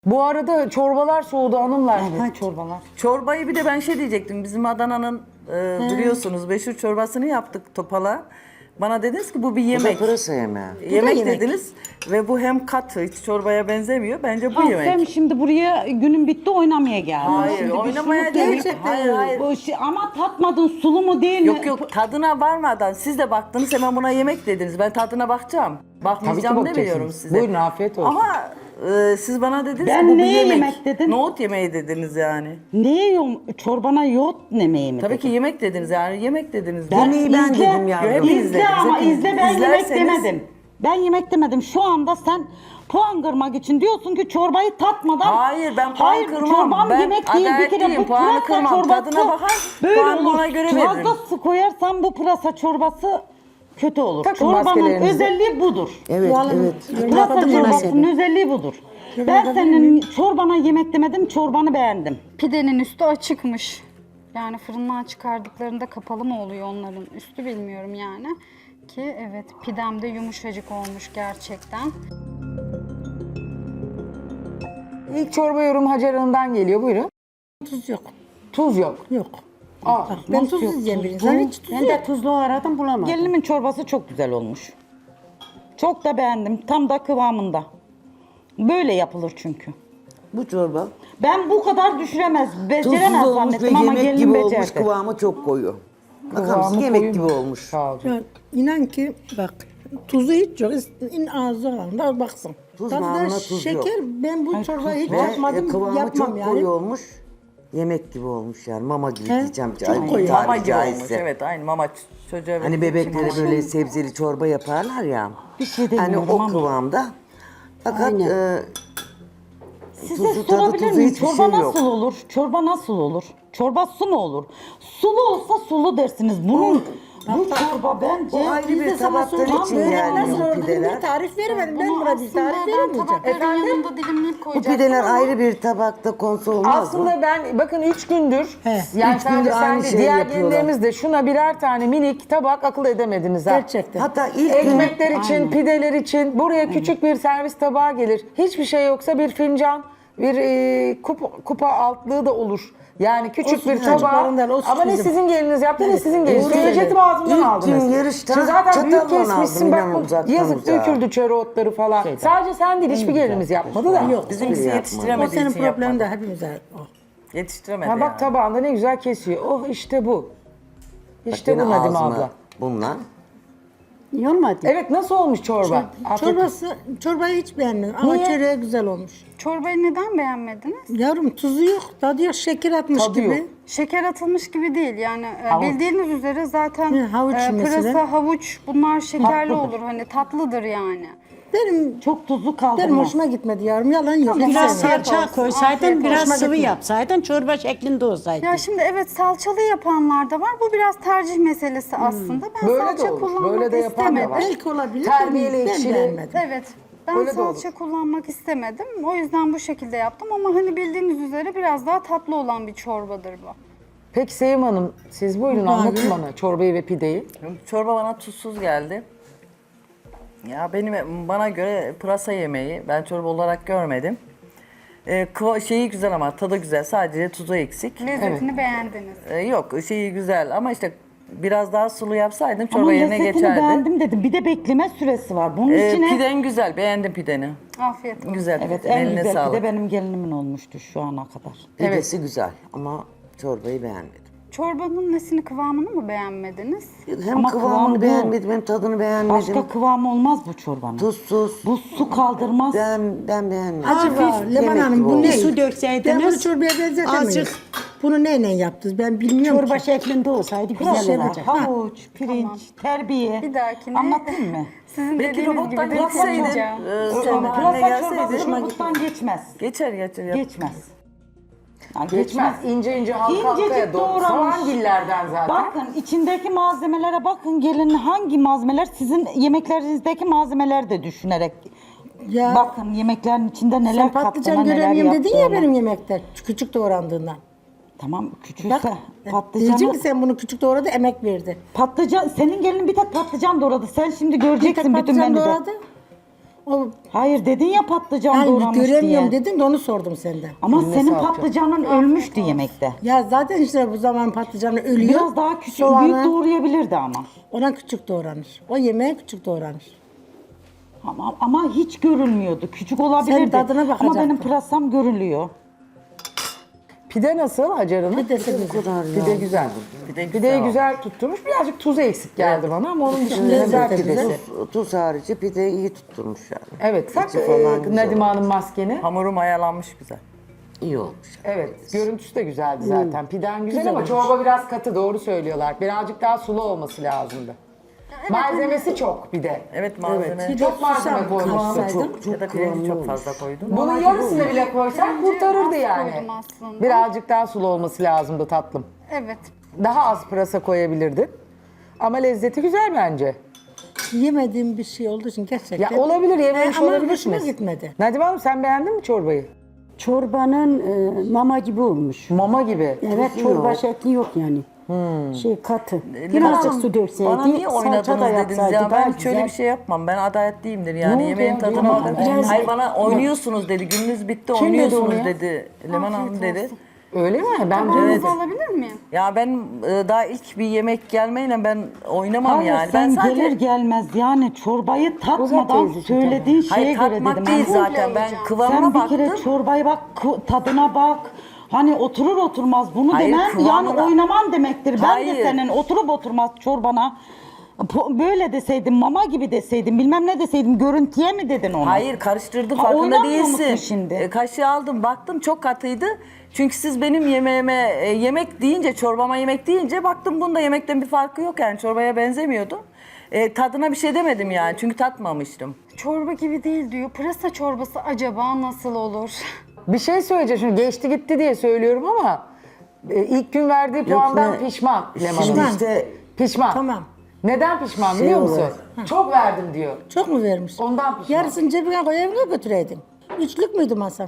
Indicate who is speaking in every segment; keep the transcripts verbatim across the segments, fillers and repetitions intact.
Speaker 1: Bu arada çorbalar soğudu hanımlar.
Speaker 2: Evet, çorbalar.
Speaker 3: Çorbayı bir de ben şey diyecektim. Bizim Adana'nın e, biliyorsunuz meşhur çorbasını yaptık topala. Bana dediniz ki bu bir
Speaker 4: Bu da
Speaker 3: yemek.
Speaker 4: pırasa yemeği.
Speaker 3: Yemek,
Speaker 2: yemek.
Speaker 3: dediniz ve bu hem katı, hiç çorbaya benzemiyor. Bence bu
Speaker 2: Ha,
Speaker 3: yemek.
Speaker 2: sen şimdi buraya günün bitti oynamaya geldin.
Speaker 3: Hayır,
Speaker 2: Şimdi bir
Speaker 3: oynamaya
Speaker 2: suluk
Speaker 3: değil.
Speaker 2: yemek-
Speaker 3: Hayır, hayır.
Speaker 2: Bu şey- ama tatmadın, sulu mu değil mi?
Speaker 3: Yok yok, tadına varmadan siz de baktınız, hemen buna yemek dediniz. Ben tadına bakacağım. Bakmayacağım
Speaker 1: Tabii ki
Speaker 3: demiyorum
Speaker 1: bakacaksınız.
Speaker 3: size.
Speaker 1: Buyurun, afiyet olsun.
Speaker 3: Ama e, siz bana dediniz
Speaker 2: Ben
Speaker 3: ki bu bir
Speaker 2: neye
Speaker 3: yemek.
Speaker 2: yemek dedim?
Speaker 3: Nohut yemeği dediniz yani.
Speaker 2: Neye yiyorum? Çorbana yoğurt yemeği mi
Speaker 3: Tabii
Speaker 2: dedin?
Speaker 3: ki yemek dediniz yani, yemek dediniz.
Speaker 4: Yemeği ben
Speaker 2: izle,
Speaker 4: dedim yavrum.
Speaker 3: Hep
Speaker 2: İzle
Speaker 3: izlediniz,
Speaker 2: ama
Speaker 3: hepiniz.
Speaker 2: izle, ben yemek
Speaker 3: İzlerseniz-
Speaker 2: demedim. Ben yemek demedim. Şu anda sen puan kırmak için diyorsun ki çorbayı tatmadan...
Speaker 3: Hayır, ben puan
Speaker 2: Hayır,
Speaker 3: kırmam.
Speaker 2: çorbam
Speaker 3: Ben
Speaker 2: yemek değil. Bir kere
Speaker 3: adaletliyim,
Speaker 2: bu
Speaker 3: puanı
Speaker 2: pırasa
Speaker 3: kırmam.
Speaker 2: çorbası
Speaker 3: Tadına bakar,
Speaker 2: böyle
Speaker 3: puanımı
Speaker 2: olur.
Speaker 3: ona göre
Speaker 2: Fazla
Speaker 3: veririm.
Speaker 2: su koyarsan bu pırasa çorbası kötü olur.
Speaker 1: Takın
Speaker 2: Çorbanın
Speaker 1: maskelerinizi.
Speaker 2: özelliği budur.
Speaker 4: Evet, evet.
Speaker 2: Pırasa çorbasının özelliği budur. Ben senin çorbana yemek demedim, çorbanı beğendim.
Speaker 5: Pidenin üstü açıkmış. Yani fırından çıkardıklarında kapalı mı oluyor onların üstü bilmiyorum yani. Ki evet, pidem de yumuşacık olmuş gerçekten.
Speaker 1: İlk çorba yorum Hacer Hanım'dan geliyor. Buyurun.
Speaker 6: Tuz yok.
Speaker 1: Tuz yok.
Speaker 6: Yok.
Speaker 1: Aa,
Speaker 6: Ben tuz yiyeceğim bir insan. Hiç tuz
Speaker 2: Ben
Speaker 6: yok.
Speaker 2: de tuzlu aradım bulamadım. Gelinimin çorbası çok güzel olmuş. Çok da beğendim. Tam da kıvamında. Böyle yapılır çünkü.
Speaker 4: Bu çorba
Speaker 2: Ben bu kadar düşüremez, beceremez
Speaker 4: tuzsuz olmuş ve
Speaker 2: zannettim ama
Speaker 4: yemek
Speaker 2: gelinim
Speaker 4: gibi olmuş,
Speaker 2: becerdi.
Speaker 4: kıvamı çok koyu. Bakar mısın,
Speaker 1: Kıvamı
Speaker 4: yemek
Speaker 1: koyu
Speaker 4: gibi
Speaker 1: mu?
Speaker 4: olmuş.
Speaker 1: Sağ olun.
Speaker 6: Ya, inan ki bak tuzu hiç yok. İn ağzı alanda baksın.
Speaker 4: Tuz
Speaker 6: Tadı da
Speaker 4: namına tuz
Speaker 6: şeker.
Speaker 4: yok.
Speaker 6: Ben bu çorbayı hiç
Speaker 4: Ve
Speaker 6: yapmadım.
Speaker 4: e, kıvamı
Speaker 6: yapmam
Speaker 4: çok
Speaker 6: yani.
Speaker 4: koyu olmuş. Yemek gibi olmuş yani, mama gibi
Speaker 6: He,
Speaker 4: diyeceğim.
Speaker 6: çok
Speaker 4: Ay,
Speaker 6: koyu.
Speaker 4: tabiri
Speaker 3: Mama gibi olmuş,
Speaker 4: caizse.
Speaker 3: evet, aynı mama ç- çocuğa
Speaker 4: Hani
Speaker 3: verildiği
Speaker 4: bebeklere
Speaker 3: için.
Speaker 4: böyle sebzeli çorba yaparlar ya.
Speaker 2: Bir şey
Speaker 4: Hani
Speaker 2: demiyorum
Speaker 4: o
Speaker 2: ama.
Speaker 4: kıvamda. Fakat e,
Speaker 2: Size
Speaker 4: tuzu, tadı,
Speaker 2: sorabilir
Speaker 4: tuzu
Speaker 2: miyim?
Speaker 4: hiçbir
Speaker 2: Çorba
Speaker 4: şey yok.
Speaker 2: nasıl olur? Çorba nasıl olur? Çorba su mu olur? Sulu olsa sulu dersiniz. Bunun bu çorba bence
Speaker 4: O ayrı
Speaker 6: Biz
Speaker 4: bir
Speaker 6: de sana
Speaker 4: tabaktan
Speaker 6: soracağım.
Speaker 4: için
Speaker 6: Böyle
Speaker 4: yani
Speaker 6: nasıl
Speaker 4: bu
Speaker 6: olduğunu
Speaker 4: pideler.
Speaker 6: bir tarif veremedim. Ben
Speaker 5: Bunu
Speaker 6: buna bir
Speaker 5: aslında
Speaker 6: tarif
Speaker 5: ben
Speaker 6: veremeyeceğim.
Speaker 5: tabakların yanında dilimleyip koyacaktım
Speaker 4: Pideler
Speaker 5: ama
Speaker 4: ayrı bir tabakta konsa olmaz mı?
Speaker 1: Aslında ben bakın üç gündür
Speaker 6: He,
Speaker 1: yani
Speaker 4: üç
Speaker 1: sadece
Speaker 4: gündür
Speaker 1: sen
Speaker 4: aynı
Speaker 1: de
Speaker 4: şeyi
Speaker 1: diğer
Speaker 4: yapıyorlar.
Speaker 1: gelinlerimiz de şuna birer tane minik tabak akıl edemediniz ha.
Speaker 6: Gerçekten.
Speaker 4: Hatta ilk gün
Speaker 1: Ekmekler için, pideler için buraya küçük bir servis tabağı gelir. Hiçbir şey yoksa bir fincan, bir e, kupa, kupa altlığı da olur. Yani küçük
Speaker 6: Olsun,
Speaker 1: bir tabağı.
Speaker 6: çocuklarından olsun
Speaker 1: Ama ne
Speaker 6: bizim.
Speaker 1: sizin geliniz yaptı ne sizin geliniz.
Speaker 4: Doğru
Speaker 1: Söyleyecektim
Speaker 4: söyle.
Speaker 1: ağzımdan
Speaker 4: İlk
Speaker 1: aldınız.
Speaker 4: gün yarıştan
Speaker 1: Şimdi zaten büyük
Speaker 4: çatalla
Speaker 1: kesmişsin
Speaker 4: aldım,
Speaker 1: bak
Speaker 4: inan
Speaker 1: bu
Speaker 4: uzaktan
Speaker 1: yazık
Speaker 4: uzağa.
Speaker 1: döküldü çöreotları falan. Sadece sen değil hiçbir gelinimiz yapmadı da.
Speaker 6: Yok.
Speaker 3: Bizimkisi
Speaker 4: Yapma.
Speaker 6: O
Speaker 3: yetiştiremediği
Speaker 6: senin
Speaker 3: için
Speaker 6: problemin
Speaker 3: yapmadı.
Speaker 6: de hepimize. O.
Speaker 3: Yetiştiremedi
Speaker 1: Ha bak
Speaker 3: yani.
Speaker 1: tabağında ne güzel kesiyor. Oh işte bu. İşte
Speaker 4: Gene
Speaker 1: bu Nadime
Speaker 4: ağzıma
Speaker 1: abla.
Speaker 4: bundan.
Speaker 6: İyi olmadı.
Speaker 1: Evet nasıl olmuş çorba? Afiyet olsun.
Speaker 6: Çorbası, çorbayı hiç beğenmedim ama
Speaker 1: Niye?
Speaker 6: çöreği güzel olmuş.
Speaker 5: çorbayı neden beğenmediniz?
Speaker 6: Yavrum tuzu yok, tadı yok, şeker atmış
Speaker 1: Tadı
Speaker 6: gibi.
Speaker 1: yok.
Speaker 5: Şeker atılmış gibi değil yani e,
Speaker 1: Havuç.
Speaker 5: bildiğiniz üzere zaten
Speaker 6: Hı, havuç
Speaker 5: e,
Speaker 6: mesela.
Speaker 5: pırasa, havuç bunlar şekerli
Speaker 2: Tatlıdır.
Speaker 5: olur hani tatlıdır yani.
Speaker 6: Benim
Speaker 2: çok tuzlu
Speaker 6: benim
Speaker 2: kaldırmaz.
Speaker 6: hoşuma gitmedi yavrum, yalan yok.
Speaker 5: Tamam.
Speaker 6: Güzel.
Speaker 7: Biraz
Speaker 5: Afiyet
Speaker 7: salça
Speaker 5: olsun,
Speaker 7: koysaydın,
Speaker 5: afiyet
Speaker 7: biraz
Speaker 6: olsun.
Speaker 7: sıvı yapsaydın, çorba şeklinde olsaydı.
Speaker 5: Ya şimdi evet salçalı yapanlar da var. Bu biraz tercih meselesi aslında. Ben
Speaker 1: Böyle de
Speaker 5: salça
Speaker 1: olur,
Speaker 5: kullanmak
Speaker 1: böyle de yapan da
Speaker 5: istemedim.
Speaker 1: var.
Speaker 6: Belki olabilir.
Speaker 1: Terbiyeli,
Speaker 6: ben,
Speaker 1: ekşili.
Speaker 6: ben beğenmedim.
Speaker 5: Evet. Ben
Speaker 1: Öyle de
Speaker 5: salça kullanmak istemedim. O yüzden bu şekilde yaptım ama hani bildiğiniz üzere biraz daha tatlı olan bir çorbadır bu.
Speaker 1: Peki Sevim Hanım siz buyurun anlatın bana çorbayı ve pideyi.
Speaker 3: Çorba bana tuzsuz geldi. Ya benim bana göre pırasa yemeği ben çorba olarak görmedim. Ee, kıva- şeyi güzel ama tadı güzel, sadece tuzu eksik.
Speaker 5: Lezzetini beğendiniz.
Speaker 3: Ee, yok şeyi güzel ama işte biraz daha sulu yapsaydım
Speaker 2: Ama
Speaker 3: çorba yerine
Speaker 2: lezzetini
Speaker 3: geçerdi.
Speaker 2: beğendim dedim. Bir de bekleme süresi var. Bunun
Speaker 3: Ee,
Speaker 2: içine...
Speaker 3: piden güzel, beğendim pideni.
Speaker 5: Afiyet olsun.
Speaker 3: Güzel,
Speaker 2: Evet en
Speaker 3: eline
Speaker 2: güzel
Speaker 3: sağlık.
Speaker 2: pide benim gelinimin olmuştu şu ana kadar.
Speaker 4: Pidesi güzel ama çorbayı beğenmedim.
Speaker 5: Çorbanın nesini kıvamını mı beğenmediniz?
Speaker 4: Hem
Speaker 2: Ama
Speaker 4: kıvamını
Speaker 2: kıvamı bu.
Speaker 4: beğenmedim, hem tadını beğenmedim.
Speaker 2: Başka kıvamı olmaz bu çorbanın.
Speaker 4: Tuzsuz.
Speaker 2: Bu su kaldırmaz.
Speaker 4: Ben, ben beğenmedim.
Speaker 6: Acaba Leman
Speaker 4: yemek
Speaker 6: Hanım
Speaker 4: gibi
Speaker 6: bu
Speaker 4: olmuş.
Speaker 6: ne?
Speaker 7: Bir su
Speaker 6: Ben bunu
Speaker 7: dökseydiniz,
Speaker 6: çorbaya benzetemeyiz.
Speaker 7: azıcık
Speaker 6: Bunu neyle yaptınız ben bilmiyorum
Speaker 7: çorba
Speaker 6: ki.
Speaker 7: şeklinde olsaydı güzel
Speaker 6: şey
Speaker 7: olurdu.
Speaker 6: olacak.
Speaker 2: Havuç, pirinç, terbiye.
Speaker 5: Bir dahakine
Speaker 2: Anlatayım mı?
Speaker 5: sizin
Speaker 3: Belki
Speaker 5: dediğiniz
Speaker 3: robottan
Speaker 5: gibi de
Speaker 3: geçseydin,
Speaker 5: yapacağım.
Speaker 3: e, senin haline
Speaker 2: Pırasa çorbası
Speaker 3: gelseydin.
Speaker 2: robottan geçmez.
Speaker 3: Geçer geçer. yap.
Speaker 2: Geçmez. Yani
Speaker 1: Geçmez. İnce ince halka halkaya
Speaker 2: İncecik
Speaker 1: doğru.
Speaker 2: doğranmış.
Speaker 1: Soğangillerden zaten.
Speaker 2: Bakın içindeki malzemelere bakın. Gelin hangi malzemeler sizin yemeklerinizdeki malzemeler de düşünerek.
Speaker 6: Ya
Speaker 2: Bakın yemeklerin içinde neler
Speaker 6: sen patlıcan
Speaker 2: kattığına neler
Speaker 6: göremiyorum dedin ya
Speaker 2: yaptığına.
Speaker 6: benim yemekte. Küçük doğrandığından.
Speaker 2: Tamam
Speaker 6: Bak
Speaker 2: küçülse patlıcanı.
Speaker 6: diyeceğim ki sen bunu küçük doğradı emek verdi.
Speaker 2: Patlıcan senin gelin bir tek patlıcan doğradı. Sen şimdi
Speaker 6: Bir tek
Speaker 2: göreceksin bütün
Speaker 6: patlıcan
Speaker 2: menüde.
Speaker 6: doğradı. O
Speaker 2: Hayır dedin ya patlıcan
Speaker 6: yani
Speaker 2: doğramış
Speaker 6: göremiyorum
Speaker 2: diye.
Speaker 6: dedin de onu sordum senden.
Speaker 2: Ama senin patlıcanın ölmüştü yemekte.
Speaker 6: Ya zaten işte bu zaman patlıcanı ölüyor.
Speaker 2: Biraz daha küçük,
Speaker 6: Soğanı
Speaker 2: büyük doğrayabilirdi ama.
Speaker 6: ona küçük doğranır. O yemeğe küçük doğranır.
Speaker 2: Ama, ama hiç görülmüyordu. Küçük olabilirdi.
Speaker 6: tadına
Speaker 2: Ama
Speaker 6: bakacaktın.
Speaker 2: benim pırasam görülüyor.
Speaker 1: Pide nasıl Hacer Hanım?
Speaker 6: Pidesi
Speaker 4: Bu
Speaker 6: güzel.
Speaker 4: kadar
Speaker 1: Pide
Speaker 4: ya.
Speaker 1: güzel.
Speaker 3: Pide güzel
Speaker 1: Pideyi
Speaker 3: oldu.
Speaker 1: güzel tutturmuş. Birazcık tuzu eksik geldi bana ama onun dışında
Speaker 6: Lezzeti
Speaker 1: güzel
Speaker 6: de
Speaker 1: pidesi.
Speaker 6: güzel.
Speaker 4: Tuz, tuz harici pide iyi tutturmuş yani.
Speaker 1: Evet. Tak
Speaker 4: İçi falan
Speaker 1: e,
Speaker 4: güzel
Speaker 1: Nadime
Speaker 4: olmuş.
Speaker 1: Hanım maskeni.
Speaker 3: Hamurum ayalanmış güzel.
Speaker 4: İyi olmuş.
Speaker 1: Evet. Görüntüsü de güzeldi zaten. Piden güzel, ama çorba biraz katı. Doğru söylüyorlar. Birazcık daha sulu olması lazımdı. Malzemesi çok bir de.
Speaker 3: Evet malzeme.
Speaker 6: Bir de
Speaker 1: Çok malzeme
Speaker 6: susam
Speaker 1: koymuşsun.
Speaker 6: katsaydım.
Speaker 4: Çok
Speaker 3: Ya da
Speaker 4: çok
Speaker 3: pirinci
Speaker 4: kıvamlı
Speaker 3: çok
Speaker 4: olmuş.
Speaker 3: fazla koydum.
Speaker 1: Bunun yarısını bile koysan
Speaker 5: Bence
Speaker 1: kurtarırdı
Speaker 5: az
Speaker 1: yani.
Speaker 5: koydum aslında.
Speaker 1: Birazcık daha sulu olması lazımdı tatlım.
Speaker 5: Evet.
Speaker 1: Daha az pırasa koyabilirdin. Ama lezzeti güzel bence.
Speaker 6: Yemediğim bir şey olduğu için gerçekten.
Speaker 1: Ya olabilir, yememiş
Speaker 6: Ee, ama
Speaker 1: olabilirsiniz.
Speaker 6: hoşuma gitmedi.
Speaker 1: Nadime Hanım sen beğendin mi çorbayı?
Speaker 7: Çorbanın e, mama gibi olmuş.
Speaker 1: Mama gibi.
Speaker 7: Evet çorba şekli yok yani. Şey katı. Birazcık su dökseydi,
Speaker 3: Bana niye
Speaker 7: salça
Speaker 3: oynadınız
Speaker 7: da
Speaker 3: dediniz
Speaker 7: yapsaydı
Speaker 3: ya?
Speaker 7: daha
Speaker 3: Ben
Speaker 7: güzel.
Speaker 3: şöyle bir şey yapmam. Ben adaletliyimdir
Speaker 1: Ne
Speaker 3: yani.
Speaker 1: oldu
Speaker 3: Yemeğin
Speaker 1: ya?
Speaker 3: tadına
Speaker 1: Duyamadım.
Speaker 3: bakın.
Speaker 7: Biraz-
Speaker 3: Hayır bana oynuyorsunuz dedi. Gününüz bitti
Speaker 1: Kim dedi onu
Speaker 3: oynuyorsunuz
Speaker 1: ya?
Speaker 3: dedi. Leman Hanım dedi.
Speaker 1: Öyle mi? Ben
Speaker 5: Tabağınızı alabilir miyim?
Speaker 3: Ya ben e, daha ilk bir yemek gelmeyle ben oynamam
Speaker 2: Hayır
Speaker 3: yani.
Speaker 2: sen
Speaker 3: Ben sadece
Speaker 2: gelir gelmez yani çorbayı tatmadan
Speaker 1: teyzeciğim,
Speaker 2: söylediğin
Speaker 3: hayır
Speaker 2: şeye göre
Speaker 3: tatmak
Speaker 2: dedim.
Speaker 3: değil
Speaker 2: Ben,
Speaker 3: zaten. Ben
Speaker 5: yiyeceğim.
Speaker 3: kıvamına
Speaker 2: sen bir
Speaker 3: baktım.
Speaker 2: kere çorbaya bak, kı- tadına bak. Hani oturur oturmaz bunu
Speaker 3: Hayır,
Speaker 2: demem yani
Speaker 3: kıvamına-
Speaker 2: oynaman demektir. Ben de
Speaker 3: Hayır.
Speaker 2: senin oturup oturmaz çorbana po- böyle deseydim, mama gibi deseydim, bilmem ne deseydim, görüntüye mi dedin onu?
Speaker 3: Hayır karıştırdım
Speaker 2: Ha,
Speaker 3: farkında
Speaker 2: oynamıyor musun
Speaker 3: değilsin.
Speaker 2: şimdi?
Speaker 3: E, kaşığı aldım baktım çok katıydı. Çünkü siz benim yemeğime e, yemek deyince çorbama yemek deyince baktım bunda yemekten bir farkı yok yani çorbaya benzemiyordu. E, tadına bir şey demedim yani çünkü tatmamıştım.
Speaker 5: Çorba gibi değil diyor. Pırasa çorbası acaba nasıl olur?
Speaker 1: Bir şey söyleyeceğim. Şimdi geçti gitti diye söylüyorum ama e, ilk gün verdiği puandan
Speaker 4: ne-
Speaker 1: pişman Leman
Speaker 4: Şimdi
Speaker 1: Hanım.
Speaker 4: işte
Speaker 1: Pişman.
Speaker 6: Tamam.
Speaker 1: Neden pişman
Speaker 4: Şey
Speaker 1: biliyor musun?
Speaker 4: olarak-
Speaker 1: Çok verdim diyor.
Speaker 6: Çok mu vermiş?
Speaker 1: Ondan pişman.
Speaker 6: Yarısını cebine koy evine götüreydin. Üçlük müydü masam?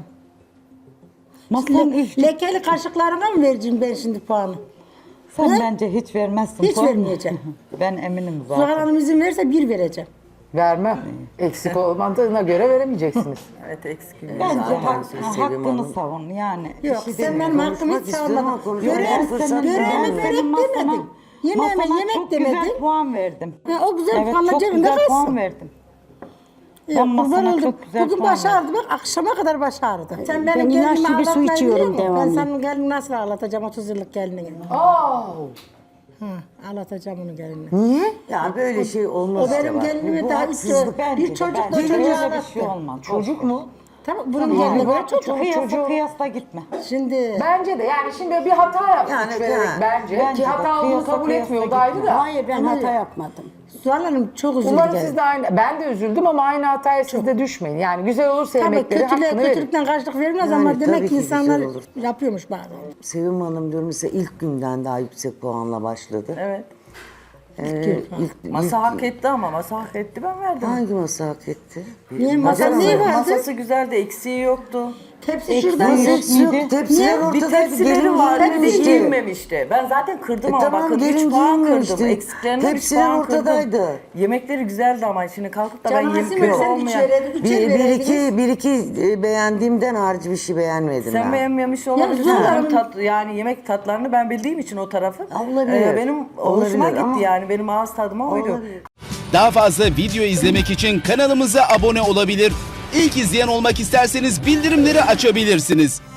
Speaker 2: Masanın
Speaker 6: Le-
Speaker 2: üstü-
Speaker 6: lekeli kaşıklarına mı vereceğim ben şimdi puanı?
Speaker 2: sen
Speaker 6: Ne?
Speaker 2: bence hiç vermezsin.
Speaker 6: Hiç
Speaker 2: puan.
Speaker 6: vermeyeceğim.
Speaker 2: Ben eminim
Speaker 6: Zuhal
Speaker 2: zaten.
Speaker 6: Hanım izin verirse bir vereceğim.
Speaker 1: Vermem. Eksik olmadığına göre veremeyeceksiniz.
Speaker 3: Evet eksik.
Speaker 2: Bence
Speaker 4: Zaten
Speaker 2: hak-
Speaker 4: Sevim
Speaker 2: hakkını
Speaker 4: Hanım-
Speaker 2: savun yani. bir
Speaker 6: Yok
Speaker 2: şey
Speaker 6: sen
Speaker 2: demiyorum.
Speaker 6: benim hakkımı hiç
Speaker 4: Konuşmak istiyorum
Speaker 6: savunmadın.
Speaker 4: ama konuşmaya
Speaker 6: Görev,
Speaker 4: fırsat
Speaker 6: görevimi
Speaker 4: vermedin.
Speaker 6: verip
Speaker 2: Senin masana-
Speaker 6: demedin. Yemeğime
Speaker 2: masana
Speaker 6: yemek
Speaker 2: çok
Speaker 6: demedin.
Speaker 2: güzel puan verdim.
Speaker 6: Ya o güzel
Speaker 2: Evet
Speaker 6: puanla
Speaker 2: çok
Speaker 6: cebinde
Speaker 2: güzel
Speaker 6: kalsın.
Speaker 2: puan verdim.
Speaker 6: Yok,
Speaker 2: Ben masana
Speaker 6: kurban oldum.
Speaker 2: çok güzel
Speaker 6: Bugün
Speaker 2: puan
Speaker 6: baş ağrıdı bak akşama kadar baş ağrıdı. Sen
Speaker 7: Ben
Speaker 6: benim
Speaker 7: ilaçlı
Speaker 6: gelinimi
Speaker 7: bir su
Speaker 6: ağlatmayı
Speaker 7: içiyorum
Speaker 6: biliyor musun? Ben
Speaker 7: devamlı.
Speaker 6: senin gelini nasıl ağlatacağım otuz yıllık gelinini.
Speaker 1: Aa,
Speaker 6: Hı, ağlatacağım onu gelinini.
Speaker 1: niye?
Speaker 4: Ya böyle şey olmaz.
Speaker 6: O benim
Speaker 4: ya bak.
Speaker 6: gelinimi
Speaker 4: Bu
Speaker 6: daha
Speaker 4: haksızlık.
Speaker 6: istiyor.
Speaker 2: Bence
Speaker 6: Bir
Speaker 2: de,
Speaker 6: çocukla
Speaker 2: bence de.
Speaker 6: çocuğu
Speaker 2: Öyle
Speaker 6: ağlattı.
Speaker 2: bir şey olmaz.
Speaker 1: Çocuk mu?
Speaker 6: Tamam bunun
Speaker 1: Tamam.
Speaker 6: gelinine
Speaker 1: Bak,
Speaker 6: göre çocuk.
Speaker 1: çocuk-
Speaker 2: Kıyasla
Speaker 1: çocuğu-
Speaker 2: kıyasla gitme.
Speaker 6: Şimdi
Speaker 1: Bence de yani şimdi bir hata yapmış
Speaker 4: Yani,
Speaker 1: vererek
Speaker 4: yani.
Speaker 1: bence.
Speaker 2: Bence
Speaker 1: Ki
Speaker 2: de.
Speaker 1: hata olduğunu
Speaker 2: Kıyasla
Speaker 1: kabul
Speaker 2: kıyasla
Speaker 1: etmiyordu ayrı da.
Speaker 7: Hayır ben
Speaker 6: Ama-
Speaker 7: hata yapmadım.
Speaker 6: Zuhal Hanım çok üzüldü
Speaker 1: Umarım
Speaker 6: gelin.
Speaker 1: siz de aynı, ben de üzüldüm ama aynı hataya siz de düşmeyin. Yani güzel olursa
Speaker 6: Tabii
Speaker 1: yemekleri
Speaker 6: kötülüğe
Speaker 1: hakkını verin.
Speaker 6: kötülükten karşılık verilmez
Speaker 4: Yani
Speaker 6: ama demek
Speaker 4: tabii
Speaker 6: ki
Speaker 4: ki
Speaker 6: insanlar
Speaker 4: güzel olur.
Speaker 6: yapıyormuş bazen.
Speaker 4: Sevim Hanım diyorum mesela ilk günden daha yüksek puanla başladı.
Speaker 3: Evet.
Speaker 4: Ee, ilk,
Speaker 3: Masa
Speaker 4: ilk-
Speaker 3: hak etti ama masa hak etti ben verdim.
Speaker 4: Hangi masa hak etti?
Speaker 6: Niye masa
Speaker 3: Masası,
Speaker 6: niye vardı?
Speaker 3: masası güzeldi eksiği yoktu.
Speaker 6: Tepsi şuradan
Speaker 2: Eksiği
Speaker 6: seç.
Speaker 2: yok muydu?
Speaker 4: Tepsiler
Speaker 6: Niye?
Speaker 3: Bir
Speaker 4: ortadaydı.
Speaker 3: tepsileri
Speaker 4: gelin
Speaker 3: vardı bir de
Speaker 4: giyinmemişti.
Speaker 3: giyinmemişti. Ben zaten kırdım
Speaker 4: E
Speaker 3: ama
Speaker 4: tamam,
Speaker 3: bakın
Speaker 4: gelin
Speaker 3: üç puan
Speaker 4: giyinmemişti.
Speaker 3: kırdım. Eksiklerine üç
Speaker 4: Tepsiler
Speaker 3: puan
Speaker 4: ortadaydı.
Speaker 3: kırdım. Yemekleri güzeldi ama şimdi kalkıp da ben
Speaker 6: Canım
Speaker 3: yemek
Speaker 6: Asim sen üç
Speaker 3: olmayan...
Speaker 6: vereydin, üçer
Speaker 4: Bir, bir
Speaker 6: vereydiniz.
Speaker 4: iki, bir iki e, beğendiğimden harici bir şey beğenmedim
Speaker 3: Sen
Speaker 4: ben.
Speaker 3: beğenmemiş olabilirsin.
Speaker 6: Zuhal
Speaker 3: Benim
Speaker 6: Hanım-
Speaker 3: tat, yani yemek tatlarını ben bildiğim için o tarafı.
Speaker 4: Olabilir.
Speaker 3: e, benim hoşuma
Speaker 4: Olabilir
Speaker 3: gitti
Speaker 4: ama-
Speaker 3: yani. Benim ağız tadıma uydu.
Speaker 4: Olabilir.
Speaker 8: Daha fazla video izlemek için kanalımıza abone olabilir. İlk izleyen olmak isterseniz bildirimleri açabilirsiniz.